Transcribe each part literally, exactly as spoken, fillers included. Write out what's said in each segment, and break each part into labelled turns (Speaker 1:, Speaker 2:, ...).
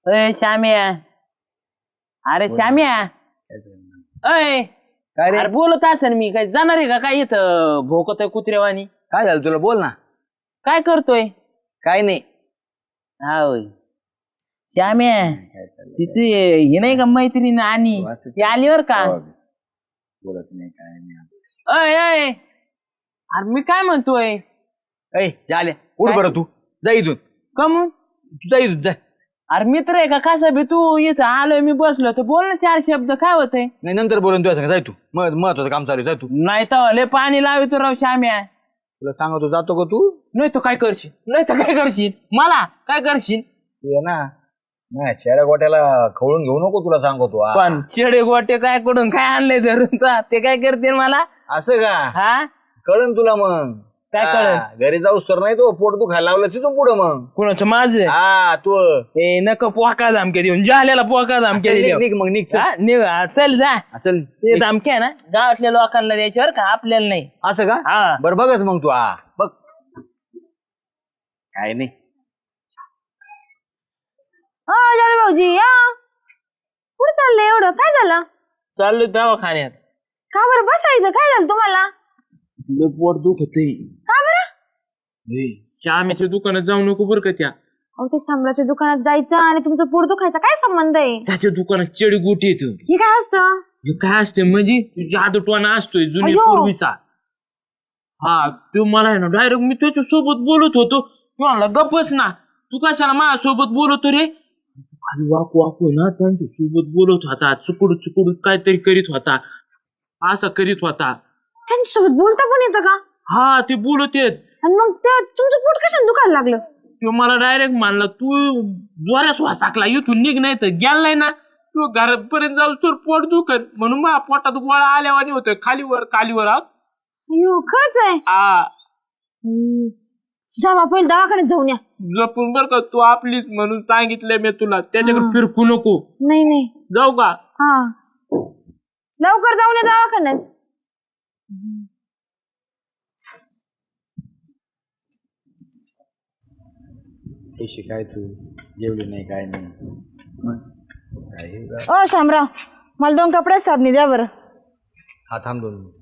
Speaker 1: अय श्याम्या, अरे श्याम्या, अय
Speaker 2: काय रे
Speaker 1: अरे बोलत असेल मी काय जाणार आहे का काय इथं भोकत आहे कुत्रेवानी?
Speaker 2: काय झालं तुला बोल ना.
Speaker 1: काय करतोय?
Speaker 2: काय नाही.
Speaker 1: हा होय श्याम्या, तिची हे नाही का मैत्रीण आणि ती आलीवर का?
Speaker 2: बोलत नाही काय नाही.
Speaker 1: अय अय अरे मी काय म्हणतोय?
Speaker 2: ऐ झाले उठ बरं तू जा इथून.
Speaker 1: कमून
Speaker 2: तू जा इथून जा.
Speaker 1: अरे मित्र आहे का कसा बी? तू इथं आलोय मी बसलो तर बोल ना चार शब्द. काय होतंय?
Speaker 2: नाही नंतर बोलून तुझ्या संग जाय तू. महत्वाचं काम चालू आहे, जाय तू.
Speaker 1: नाही तर लय पाणी लावितो राव श्याम्या.
Speaker 2: तुला सांगतो जातो का तू?
Speaker 1: नाही तर काय करशील? नाही तर काय करशील? मला काय करशील?
Speaker 2: तू ये ना नाही चेहऱ्या गोट्याला खवळून घेऊ नको तुला सांगतो. हा.
Speaker 1: पण चेडे गोटे काय कडून काय आणले धरून चा? ते काय करतील मला?
Speaker 2: असं का?
Speaker 1: हा
Speaker 2: कळन तुला मग.
Speaker 1: काय कळन?
Speaker 2: हा, घरी जाऊस तर नाही तो पोट तू खायला लावलं तिथून पुढं मग.
Speaker 1: कुणाचं? माझं?
Speaker 2: हा तू
Speaker 1: ए नको पोका धमके देऊन जाल्याला पोका धमके
Speaker 2: निघ
Speaker 1: देऊ.
Speaker 2: निघ मग निघ चल.
Speaker 1: हा, निघ हा, चल जा.
Speaker 2: हा, चल
Speaker 1: ते धमके आहे ना गावातल्या लोकांना द्यायच्यावर का आपल्याला नाही.
Speaker 2: असं का?
Speaker 1: हा
Speaker 2: बरं बघच मग तू. हा बघ काय नाही.
Speaker 3: हो झालं भाऊजी या. कुठं चाललंय एवढं? काय झालं?
Speaker 1: चाललोय दवाखान्यात.
Speaker 3: का बरं बसायचं? काय झालं तुम्हाला?
Speaker 1: लय पोट दुखतंय.
Speaker 3: का बरं?
Speaker 1: श्यामेच्या दुकानात जाऊ नको बरं का त्या.
Speaker 3: अहो ते शामराच्या दुकानात जायचं आणि तुमचं पोट दुखायचा काय संबंध आहे?
Speaker 1: त्याच्या दुकानात चेडी गोटी येतो.
Speaker 3: हे काय असतं?
Speaker 1: हे काय असते म्हणजे जादूटवाना असतोय जुनी
Speaker 3: अय्यो.
Speaker 1: पूर्वीचा. हा तो मला आहे ना डायरेक्ट मी त्याच्या सोबत बोलत होतो. तू म्हणला गप्पच ना, तू कशाला माझ्या सोबत बोलतो रे? खाली वाकू वाकू ना त्यांच्या सोबत बोलत होता. चुकुड चुकुड काहीतरी करीत होता. असं करीत होता.
Speaker 3: त्यांच्यासोबत बोलता पण येतं का?
Speaker 1: हा ते बोलत येत.
Speaker 3: आणि मग ते तुमचं पोट कशाने दुखायला लागलं?
Speaker 1: तो मला डायरेक्ट मानला तू जोऱ्यास वासाकला इथून निघ नाही तर गेल नाही ना तू घरापर्यंत जाऊ तर पोट दुखत म्हणून माझ्या पोटात गोळा आल्यावानी होतोय खालीवर खालीवर. हा
Speaker 3: अयो खरंच आहे.
Speaker 1: आ,
Speaker 3: हम्म. जा बा पहिले दवाखान्यात जाऊन या.
Speaker 1: जपून बर का तू आपलीच म्हणून सांगितलंय मी तुला. त्याच्याकडे फिरकू नको.
Speaker 3: नाही नाही.
Speaker 1: जाऊ का?
Speaker 3: हा लवकर जाऊन या दवाखान्यात.
Speaker 2: पैसे काय तू जेवली नाही काय नाही मग काय हे का?
Speaker 3: ओ शामराव मला दोन कपडे साबणी द्या बरं.
Speaker 2: हा थांब दोन मिनिट.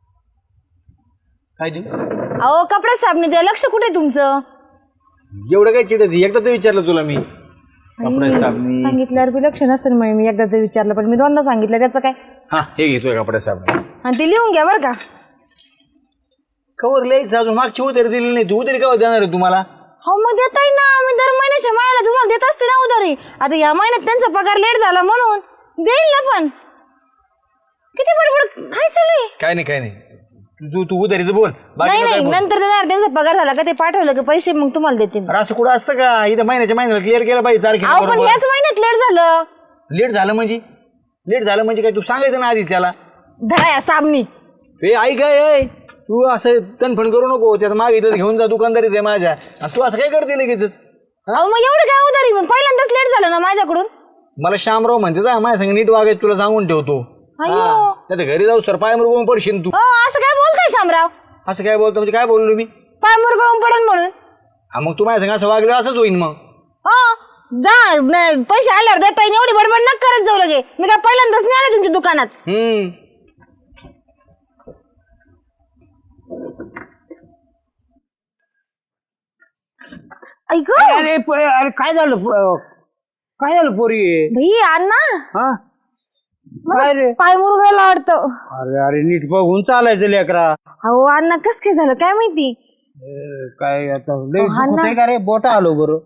Speaker 2: काय देऊ?
Speaker 3: अहो कपडे साबणी द्या. लक्ष कुठे तुमचं?
Speaker 2: एवढं काय चिडत एकदा तर विचारलं तुला मी. कपडे साबणी
Speaker 3: सांगितल्यावर बी लक्ष नसेल म्हणे. मी एकदा तर विचारलं पण मी दोनदा सांगितलं त्याचं काय.
Speaker 2: हा हे घेतोय कपडे साबणी.
Speaker 3: आणि ते लिहून घ्या बरं का.
Speaker 2: कवर लिहायचं अजून मागची उधारी दिली नाही तू. उधारी केव्हा देणार आहे तुम्हाला?
Speaker 3: हो मग देताय ना. मी दर महिन्याच्या महिन्याला तुम्हाला देत असते ना उधारी. आता या महिन्यात त्यांचा पगार लेट झाला म्हणून देईल ना. पण किती बडबड काय चालू आहे?
Speaker 2: काय नाही काय नाही. तू तू उधारीचं बोल.
Speaker 3: नाही नाही नंतर देणार. त्यांचा पगार झाला का ते पाठवलं का पैसे मग तुम्हाला देते.
Speaker 2: असं कुठं असतं का? इथं महिन्याच्या महिन्याला क्लिअर केलं पाहिजे
Speaker 3: अहो पण
Speaker 2: तारखेला.
Speaker 3: याच महिन्यात लेट झालं.
Speaker 2: लेट झालं म्हणजे लेट झालं म्हणजे काय? तू सांगायचं ना आधीच त्याला.
Speaker 3: धरा या साबणी.
Speaker 2: ए ऐक काय तू असं तनफण करू नको. त्यात मागितलं घेऊन जा. दुकानदारीच आहे माझ्या. आणि तू असं काय करते लगेच?
Speaker 3: अहो मग एवढं काय उधारी? मग पहिल्यांदाच लेट झालं ना माझ्याकडून.
Speaker 2: मला श्यामराव म्हणते जा माझ्या संग नीट वागायचं तुला सांगून ठेवतो.
Speaker 3: अय्यो.
Speaker 2: त्या घरी जाऊ सर पाय मुरगवून पडशील तू.
Speaker 3: अ असं काय बोलताय शामराव?
Speaker 2: असं काय बोलतो म्हणजे काय बोललो मी?
Speaker 3: पाय मुरगळून पडन म्हणून.
Speaker 2: हा मग तू माझ्या संग असं वागलं असंच होईन मग.
Speaker 3: हो जा न- पैसे आल्यावर देता येईल. एवढी बडबड नका करत जाऊ लगे. मी काय पहिल्यांदाच नाही आले तुमच्या दुकानात.
Speaker 2: हम्म
Speaker 3: ऐक
Speaker 4: अरे प- अरे काय झालं प- काय झालं पोरी?
Speaker 3: भाई अण्णा
Speaker 4: हा काय रे?
Speaker 3: पाय मुरगायला वाटतं.
Speaker 4: अरे अरे नीट बघून चालायचं लेकरा.
Speaker 3: अहो अण्णा कस काय झालं काय माहिती.
Speaker 4: अ, काय आता लय
Speaker 3: हा ना.
Speaker 4: दुखतंय का रे? बोटा आलो बरं.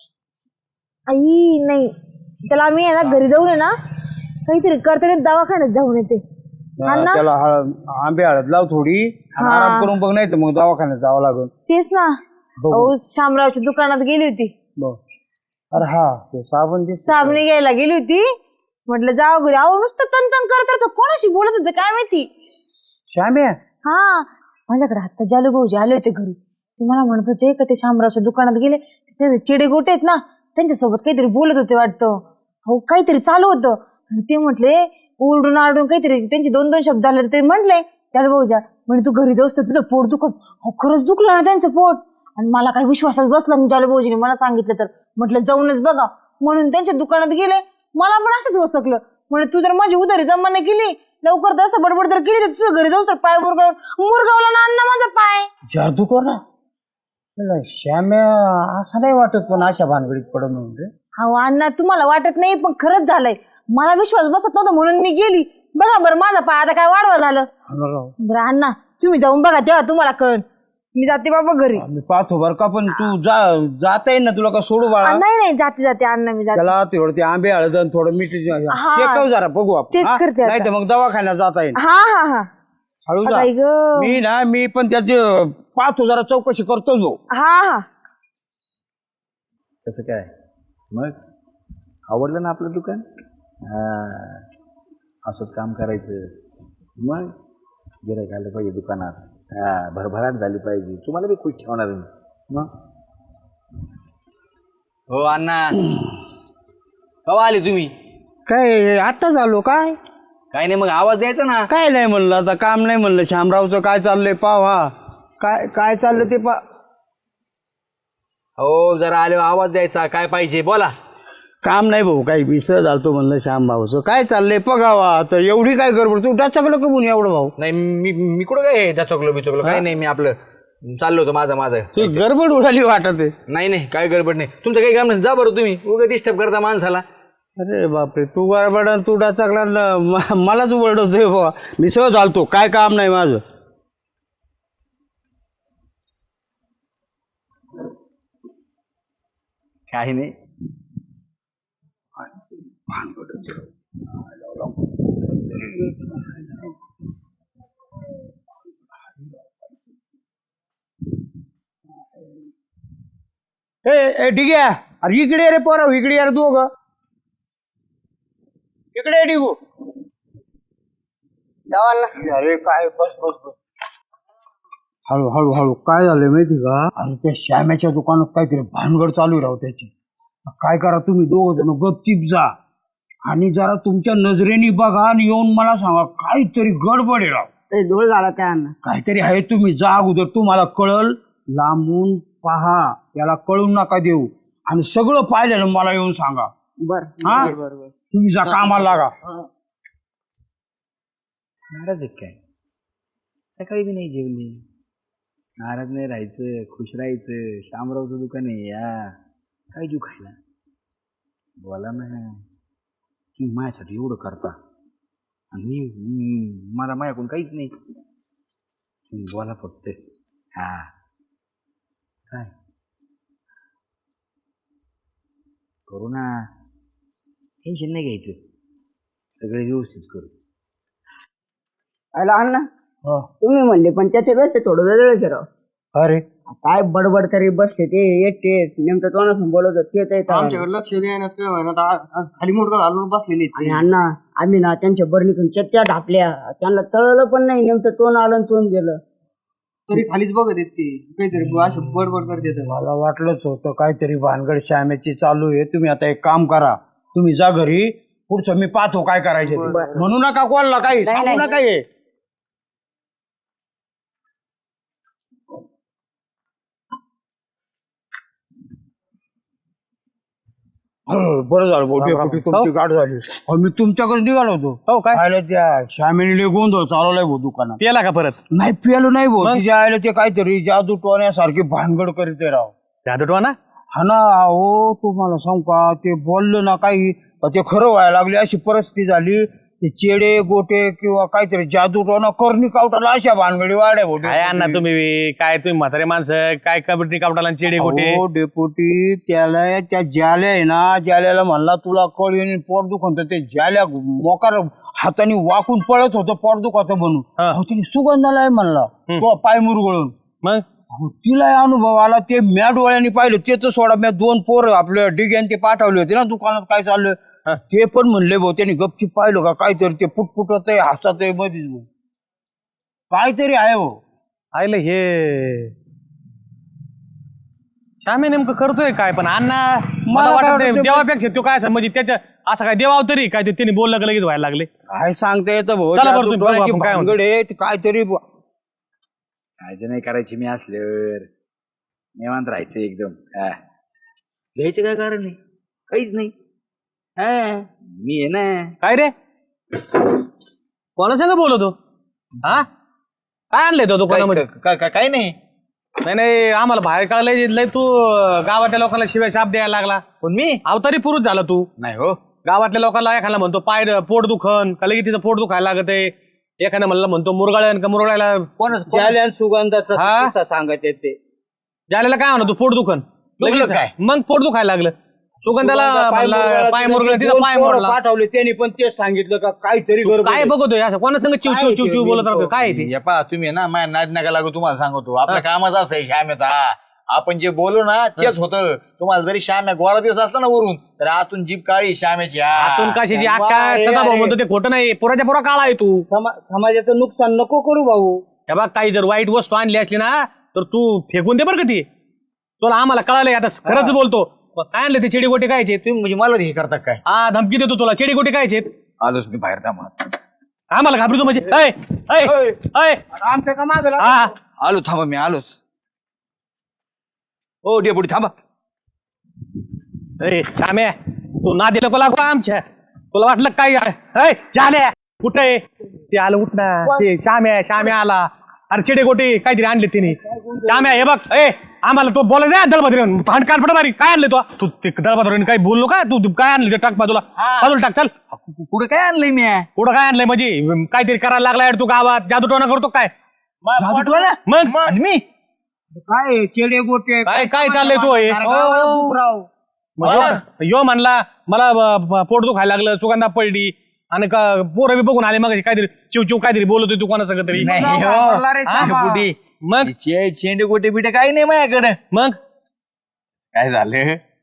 Speaker 3: आई नाही त्याला आम्ही आहे ना घरी जाऊन आहे ना काहीतरी करते दवाखान्यात जाऊन येते.
Speaker 4: हा, त्याला हळ- आंबे हळद लाव थोडी आणि आराम करून बघ. नाही तर मग दवाखान्यात जावं लागेल.
Speaker 3: तेच ना. अहो शामरावच्या दुकानात गेली होती.
Speaker 4: बघ. अरे हा ते साबण दिस.
Speaker 3: साबणी घ्यायला गेली होती. म्हटलं जावं घरी. अहो नुसतं तन करत राहतं. कोणाशी बोलत होते काय माहिती.
Speaker 4: श्याम्या
Speaker 3: हा माझ्याकडे आता जालू भाऊजी आले होते घरी. ते मला म्हणत होते का ते शामरावच्या दुकानात गेले. ते चिडे गोटे आहेत ना त्यांच्यासोबत काहीतरी बोलत होते वाटतं. हो काहीतरी चालू होतं. आणि ते म्हटले ओरडून आरडून काहीतरी त्यांचे दोन दोन शब्द आले. ते म्हटले जालू भाऊजा म्हणजे तू घरी जाऊस तर तुझं पोट दुखत. हो खरंच दुखलं ना त्यांचं पोट. आणि मला काही विश्वासच बसला नाही. जालू भाऊजीने मला सांगितलं तर म्हटलं जाऊनच बघा. म्हणून त्यांच्या दुकानात गेले. मला पण असंच वसकलं. म्हणे तू जर माझी उधारी जमा नाही केली लवकर तसं बडबड जर केली तर तुझं घरी जाऊस तर पाय मुरगाव मुरगावला ना अण्णा माझा पाय.
Speaker 4: जादू करा श्याम्या असं नाही वाटत पण अशा भानगडीत पडत म्हणजे.
Speaker 3: अहो अण्णा तुम्हाला वाटत नाही पण खरंच झालंय. मला विश्वास बसत नव्हता म्हणून मी गेली. बघा बरं माझा पाय आता काय वाढवा झालं. बरं अण्णा तुम्ही जाऊन बघा तेव्हा तुम्हाला कळण. मी जाते बाबा घरी.
Speaker 4: मी पाहतो बरं का पण तू जा जाता येईल ना तुला का सोडू बाळा.
Speaker 3: नाही नाही जाते जाते अण्णा मी जाते.
Speaker 4: त्याला तेवढं ते आंबे हळद आणि थोडं मीठ शेकव जरा बघू आपण
Speaker 3: तेच
Speaker 4: हा?
Speaker 3: करते आता.
Speaker 4: नाही तर मग दवाखान्यात जाता येईल.
Speaker 3: हा हा हा
Speaker 4: हळू जा.
Speaker 3: बाई गं.
Speaker 4: मी ना मी पण त्याची पाहतो जरा चौकशी करतो जो.
Speaker 3: हा हा
Speaker 2: कसं काय मग आवडलं ना आपलं दुकान. हा असंच काम करायचं. मग गिऱ्हाईक आलं पाहिजे दुकानात. हा भरभराट झाली पाहिजे. तुम्हाला बी खुश ठेवणार मी. मग हो अण्णा कवा आले तुम्ही.
Speaker 4: काय आता झालो काय
Speaker 2: काय नाही मग आवाज द्यायचा ना.
Speaker 4: काय नाही म्हणलं आता काम नाही म्हणलं श्यामरावचं काय चाललंय पाव हा काय काय चाललं ते पा.
Speaker 2: हो जरा आले आवाज द्यायचा. काय पाहिजे बोला.
Speaker 4: काम नाही भाऊ काही विसर झालतो म्हणलं श्यामभाऊचं काय चाललंय बघावा तर एवढी काय गडबड तू डाचकलं का म्हणून एवढं भाऊ.
Speaker 2: नाही मी मी कुठं काय डचकलो बिचकलो काय नाही. मी आपलं चाललो होतो माझं माझं.
Speaker 4: तू गडबड उडाली वाटत आहे.
Speaker 2: नाही नाही काय गडबड नाही. तुमचं काही काम नाही. जा बरं तुम्ही उगा डिस्टर्ब करता माणसाला.
Speaker 4: अरे बापरे तू गडबड तू डाचकला मलाच ओरडतोय बाबा. मी सहज आलतो काय काम नाही माझं.
Speaker 2: काही नाही.
Speaker 4: ए ठीक आहे अरे इकडे रे पोरं इकडे यार तू ग इकडे डिगू. अरे काय बस बस बस हळू हळू हळू काय झालंय माहिती का. अरे त्या श्याम्याच्या दुकानात काहीतरी भानगड चालू राहू त्याची. काय करा तुम्ही दोघ जण गपचिप जा आणि जरा तुमच्या नजरेने बघा आणि येऊन मला सांगा काहीतरी गडबड आहे राव.
Speaker 5: धूळ झाला त्या अन्न.
Speaker 4: काहीतरी आहे तुम्ही जा अगोदर तुम्हाला कळल. लांबून पहा त्याला कळून नका देऊ आणि सगळं पाहिलं मला येऊन सांगा.
Speaker 5: बर
Speaker 4: हा तुम्ही जा कामाला लागा.
Speaker 2: नाराज आहे काय. सकाळी बी नाही जेवली. नाराज नाही राहायचं खुश राहायचं. शामरावचं दुकान आहे या काय देऊ खायला. बोला ना तुम्ही माझ्यासाठी एवढं करता आणि मी मला माझ्याकडून काहीच नाही. तुम्ही बोला फक्त. हा काय करू ना. टेन्शन नाही घ्यायचं. सगळे व्यवस्थित करू.
Speaker 5: अरे अण्णा तुम्ही म्हणले पण त्याचे वेळेस थोडं वेगळंच आहे राव.
Speaker 4: अरे
Speaker 5: काय बडबड तरी बसते ते एकटे नेमकं तोंडासून बोलत ते
Speaker 6: आमच्याकडे लक्ष द्यायला खाली मोठं घालून बसलेली.
Speaker 5: आणि अण्णा आम्ही ना त्यांच्या बरणीतून चत्त्या ढापल्या त्यांना तळलं पण नाही. नेमकं तोंड आलं आणि तोंड गेलं
Speaker 6: तरी खालीच बघत येत ते काहीतरी असे बडबड करते.
Speaker 4: मला वाटलंच होतं काहीतरी भानगड श्यामेची चालू आहे. तुम्ही आता एक काम करा तुम्ही जा घरी पुढचं मी पाहतो काय करायचं ते. म्हणू नका कोणाला काही सांगू नका. हे बरं झालं भाऊ डेपुटी तुमची गाठ झाली. अहो, मी तुमच्याकडे निघालो होतो.
Speaker 1: हो काय
Speaker 4: आयला त्या श्यामेने गोंधळ चालवलाय भाऊ दुकानात.
Speaker 1: पियाला का परत.
Speaker 4: नाही पियालो नाही भाऊ तिच्या आयला ते काहीतरी जादू टोण्यासारखी भानगड करीत आहे राव.
Speaker 1: जादू ना
Speaker 4: हा ना अहो तुम्हाला सांगू का ते बोललं ना काही ते खरं व्हायला लागले अशी परिस्थिती झाली. ते चेडे गोटे किंवा काहीतरी जादू टोना करणी कावटाला अशा भानगडी वाड्या भाऊ.
Speaker 1: काय अण्णा तुम्ही काय तुम्ही म्हातारे माणसं काय कबड्डी कावटाला चेडे गोटे.
Speaker 4: हो डेपुटी त्याला त्या जाल्या आहे ना जाल्याला म्हणला तुला कळ येऊन पोट दुखत ते जाल्या मोकार हाताने वाकून पळत होतं पोट दुखत बनून. तिने सुगंधाला आहे म्हणला तो पाय मुरगळून.
Speaker 1: मग
Speaker 4: तिला अनुभव आला. ते मॅ डोळ्यांनी पाहिलं ते तर सोडा मॅ दोन पोर आपल्या डिग्यान ते पाठवले होते ना दुकानात काय चाललं ते पण म्हणले भाऊ त्यांनी गपचीप पाहिलं का काहीतरी ते पुटपुटत आहे हसत आहे मध्येच काहीतरी आहे भाऊ.
Speaker 1: आयलं हे श्यामे नेमकं करतोय काय पण अण्णा मला वाटत नाही देवापेक्षा तो काय असं म्हणजे त्याच्या असं काय देवाव तरी काय ते त्यांनी बोललं का लगेच व्हायला लागले.
Speaker 4: काय सांगता येतं भाऊ.
Speaker 1: चला बरं तुम्ही बघू आपण काय म्हणतो.
Speaker 4: भानगड आहे, ते काहीतरी
Speaker 2: काळजी नाही करायची. मी असल्यावर निवांत राहायचं एकदम. हा घ्यायचं काय कारण नाही. काहीच नाही. हा मी आहे ना.
Speaker 7: काय रे कोणा संग बोलतो हा काय आणलंय तो दुकानामध्ये?
Speaker 2: काय काय- काय नाही.
Speaker 7: नाही नाही आम्हाला बाहेर काढलंय लय तू गावातल्या लोकांना शिवाय शाप द्यायला लागला.
Speaker 2: पण मी
Speaker 7: अवतारी पुरुष झाला तू.
Speaker 2: नाही हो.
Speaker 7: गावातल्या लोकांना एखादा म्हणतो पाय पोट दुखन का लगेच तिचं पोट दुखायला लागत आहे. एखादा म्हणलं म्हणतो मुरगाळ्यान का मुरगाळ्याला
Speaker 2: कोणच
Speaker 6: ज्याला सुगंधाचा
Speaker 7: हा?
Speaker 6: किस्सा सांगायचे ते
Speaker 7: ज्याला काय म्हणतो पोट दुखन
Speaker 2: दुखलं
Speaker 7: लगेच-
Speaker 2: काय?
Speaker 7: मग पोट दुखायला लागलं. सुगंधाला म्हणला, पाय मुरगळ तिचा
Speaker 6: दोन
Speaker 7: पाय
Speaker 6: पोरं
Speaker 7: मोडला.
Speaker 6: पाठवले त्यांनी पण तेच सांगितलं का काहीतरी गडबड
Speaker 7: काय
Speaker 6: आहे.
Speaker 7: बघतोय असं कोणा संग चिव चिव चिव चिव बोलत राहतो काय आहे ते?
Speaker 2: या पहा तुम्ही ना माझ्या नाद नका लागू. तुम्हाला सांगतो आपल्या कामाचं असं आहे श्यामेचा. आपण जे बोलू ना तेच होतं. तुम्हाला जरी श्याम्या गोरा दिवस असला ना वरून तर आतून जीभ काळी श्यामेची. हा.
Speaker 7: आतून कशाची
Speaker 6: वा,
Speaker 7: अख्खा
Speaker 6: अरे,
Speaker 7: सदाभाऊ
Speaker 6: अरे.
Speaker 7: म्हणतो ते खोटं नाही. पुराच्या पुरा काळा आहे तू.
Speaker 6: समा- समाजाचं नुकसान नको करू भाऊ.
Speaker 7: हे बघ काही जर वाईट वस्तू आणली असली ना तर तू फेकून दे बरं का ती. तुला आम्हाला कळालंय आता खरंच बोलतो. मग काय आणलं ते चेडी गोटे कायचे?
Speaker 2: तुम्ही म्हणजे मला हे करता काय?
Speaker 7: हा धमकी देतो तुला. चेडी गोटे कायचे?
Speaker 2: आलोच मी बाहेर जा म्हणत.
Speaker 7: आम्हाला घाबरतो म्हणजे ऐ, ऐ, ऐ.
Speaker 6: आमच्या का मागं लागला?
Speaker 7: हा
Speaker 2: आलो थांबा मी आलोच. ओ डेपुटी थांबा.
Speaker 7: ए चाम्या तू ना दिलं का लागू आमच्या? तुला वाटलं काय ऐ चाल्या कुठं आहे ते? आलं उठ ना ते श्याम्या श्याम्या आला. अरे चेडे गोटे काहीतरी आणले तिने. श्याम्या हे बघ ए आम्हाला तो बोलायचा दळबद्री भांड काढ पडा. काय आणले तो? तू ते दळबद्री काही बोललो का? तू तू काय आणलं ते टाक बाजूला बाजूला टाक. चल
Speaker 2: कु- कुठं काय आणलंय मी?
Speaker 7: पुढं काय आणलंय म्हणजे काहीतरी करायला लागलाय तू गावात जादूटोना करतो काय?
Speaker 2: जादूटोना?
Speaker 7: मग
Speaker 2: आणि मी
Speaker 6: काय चेडे गोटे
Speaker 7: काय काय चाललंय तू हे?
Speaker 6: राव
Speaker 7: मग यो- यो म्हणला मला ब- ब- पोट दुखायला लागलं सुगंधा पडली आणि का पोरं बी बघून आले मग काहीतरी चिव चिव काहीतरी बोलतोय तू कोणा सगळं तरी.
Speaker 2: नाही हो.
Speaker 6: वापरला रे
Speaker 2: हा,
Speaker 6: श्यामा.
Speaker 2: डेपुटी.
Speaker 7: मग
Speaker 2: चे- चेंडे गोटे बिटे काही नाही माझ्याकडे.
Speaker 7: मग
Speaker 2: काय झालं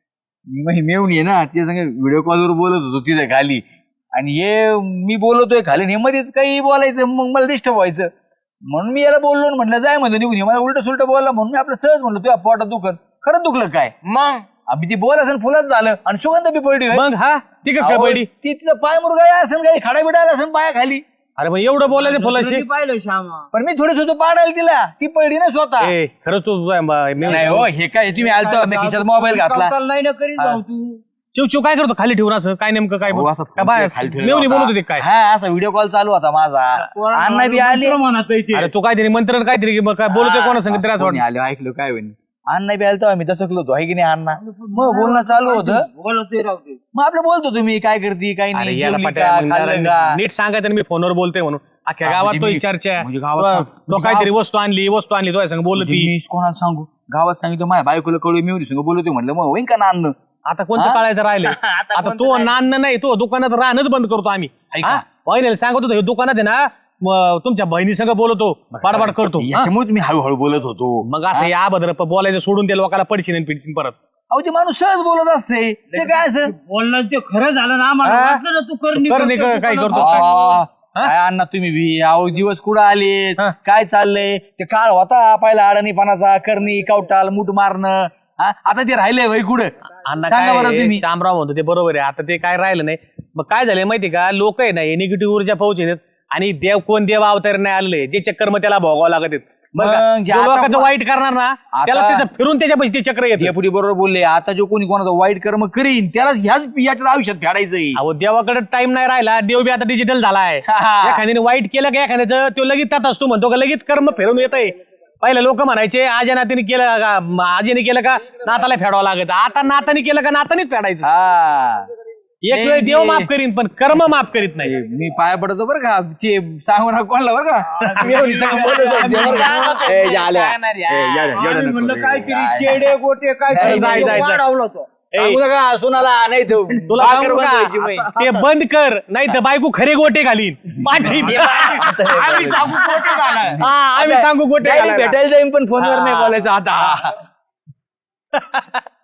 Speaker 2: मी मग मेवून ये ना ते संग व्हिडिओ कॉलवर बोलत होतो तिथे खाली. आणि हे मी बोलतोय खाली आणि हे मध्येच काही बोलायचं मग मला डिस्टर्ब व्हायचं. म्हणून मी याला बोललो आणि म्हणलं जाय म्हणतो निघून ये. मला उलट सुलट बोलला म्हणून मी आपलं सहज म्हणलो तुझ्या पोटात दुखत. खरंच दुखलं काय?
Speaker 1: मग
Speaker 2: आम्ही ती बोल असेल फुलाच झालं आणि सुगंध बी पडली होय.
Speaker 7: मग हा ठीक आहे काय
Speaker 2: अहो,
Speaker 7: पडली?
Speaker 2: ती तिचं पाय मुरगाळा असेल काही खडा बिडा असेल पाया खाली.
Speaker 7: अरे मग एवढं बोलायचं फुलाशी?
Speaker 6: कधी पाहिलं श्यामा.
Speaker 2: पण मी थोडी होतो पाडायला तिला ती पडली ना स्वतः.
Speaker 7: ए खरंच तू
Speaker 2: नाही हो हे काय तुम्ही आलतो मी खिशात मोबाईल घातला.
Speaker 6: कवताल नाही ना करीत भाऊ तू.
Speaker 7: चिव चिव काय करतो खाली ठेवून असं काय नेमकं काय
Speaker 2: हो,
Speaker 7: बोल-
Speaker 2: असं
Speaker 7: काय बाय
Speaker 2: खाली ठेवलेला
Speaker 7: मेवणी
Speaker 2: होता.
Speaker 7: बोलत होते काय?
Speaker 2: हा असा व्हिडिओ कॉल चालू होता माझा. अण्णा बी आले.
Speaker 6: मंत्र म्हणत आहे ते.
Speaker 7: अरे तू काहीतरी मंत्र काहीतरी मग काय बोलतोय कोणा सांगितलं तरी असं
Speaker 2: कोणी
Speaker 7: वाटतं.
Speaker 2: आले ऐकलो काय होईल. अण्णा बी आलतो आम्ही दचकलो होतो आहे की नाही अण्णा. मग बोलणं चालू होतं.
Speaker 6: बोलतोय राव ते.
Speaker 2: मग आपलं बोलतो तुम्ही काय करती काय
Speaker 7: अरे
Speaker 2: नाही
Speaker 7: याला
Speaker 2: जेवली
Speaker 7: पटाय
Speaker 2: का
Speaker 7: मग
Speaker 2: खाल्लं
Speaker 7: जरा
Speaker 2: का.
Speaker 7: नीट सांगायचं ना मी फोनवर बोलतोय म्हणून अख्ख्या
Speaker 2: हा,
Speaker 7: गावात
Speaker 2: म्हणजे
Speaker 7: तो
Speaker 2: मी-
Speaker 7: चर्चा
Speaker 2: म्हणजे गावात-
Speaker 7: तो- तो
Speaker 2: म्हणजे
Speaker 7: काहीतरी
Speaker 2: गाव-
Speaker 7: वस्तू आणली वस्तू आणली तो संग बोलत
Speaker 2: म्हणजे मी कोणाला सांगू गावात सांगितलं माझ्या बायकोला कळू मी संग बोलतोय म्हणलं मग होईन का नांद.
Speaker 7: आता कोणतं काळायचं राहिले आता तो नान्न नाही तो दुकानात राहणंच बंद करतो आम्ही.
Speaker 2: ऐका.
Speaker 7: हा? बहिणीला सांगत होतो हे दुकानात आहे ना म, तुमच्या बहिणी संग बोलतो बाडबाड करतो. हा?
Speaker 2: याच्यामुळे मी हळूहळू बोलत होतो.
Speaker 7: मग असं या भद्र बोलायचं सोडून ते लोकांना पडशीन आणि पिडशीन परत.
Speaker 2: अहो ते माणूस सहज बोलत असते ते काय असं.
Speaker 6: बोलणं ते खरं झालं ना आम्हाला
Speaker 7: हा?
Speaker 6: वाटलं ना तू करणी
Speaker 7: करणी
Speaker 6: करतो,
Speaker 7: काय
Speaker 6: दुकानात
Speaker 7: करतो?
Speaker 6: बसायचं.
Speaker 2: आ, काय अण्णा तुम्ही बी अहो दिवस कुठं आलेत
Speaker 7: हा.
Speaker 2: काय चाललंय ते काळ होता पहिला अडाणीपणाचा करणी कवटाल मुठ मारणं. हा? आता ते राहिलंय भाई कुठं
Speaker 7: अण्णा
Speaker 2: सांगा बरं
Speaker 7: काय
Speaker 2: तुम्ही.
Speaker 7: शामराव म्हणतो ते बरोबर आहे. आता ते काय राहिलं नाही. मग काय झालंय माहिती का लोक आहे ना हे निगेटिव्ह ऊर्जा पोहोचेत आणि देव कोण देव अवतार नाही आलेले जे चक्कर मग त्याला भोगावं लागत आहेत. बरं का?
Speaker 2: मग जे
Speaker 7: जो
Speaker 2: आता
Speaker 7: लोकांचं
Speaker 2: को-
Speaker 7: वाईट करणार ना त्याला
Speaker 2: आता-
Speaker 7: त्याचं फिरून त्याच्यापाशी ते चक्र येते.
Speaker 2: पुढे बरोबर बोलले आता जो कोणी कोणाचं वाईट कर्म करीन त्याला ह्याच याच्याच आयुष्यात फेडायचंय.
Speaker 7: अहो देवाकडे टाइम नाही राहिला. देव बी आता डिजिटल झालाय.
Speaker 2: हा.
Speaker 7: एखाद्याने वाईट केलं का एखाद्याचं तो लगेच त्यात असतो म्हणतो का लगेच कर्म फिरून येतंय. पहिले लोक म्हणायचे आजा नातीने केलं का म, आजीने केलं का नाताला फेडावं लागत. आता नाताने केलं का नातानेच फेडायचं.
Speaker 2: हा
Speaker 7: एक वेळ देव माफ करीन पण कर्म माफ करीत नाही.
Speaker 2: ए, मी पाया पडतो बरं का ते सांगू ना कोणाला बरं का मी एवढी सांगून बोलत होते बरं का? ए, झाल्या. ए, एवढं- एवढं
Speaker 6: आम्ही
Speaker 2: नको
Speaker 6: म्हणलं
Speaker 2: रे.
Speaker 6: काहीतरी
Speaker 2: काय-
Speaker 6: चेडे गोटे काय
Speaker 2: नाही,
Speaker 7: जाय, जाय, जाय.
Speaker 6: वाढवलं तो.
Speaker 7: ए,
Speaker 2: सांगू नका सोनाला नाही तो
Speaker 7: तुला
Speaker 2: भाकर
Speaker 7: सांगू का?
Speaker 2: बनवायची बाई.
Speaker 7: ते बंद कर नाही तर बायको खरे गोटे घालीन. पाठी.
Speaker 1: आम्ही सांगू खोटं झालं.
Speaker 7: हा आम्ही सांगू गोटे
Speaker 2: नाही,
Speaker 7: घालायला.
Speaker 2: भेटायला जाईन पण फोनवर नाही बोलायचं आता.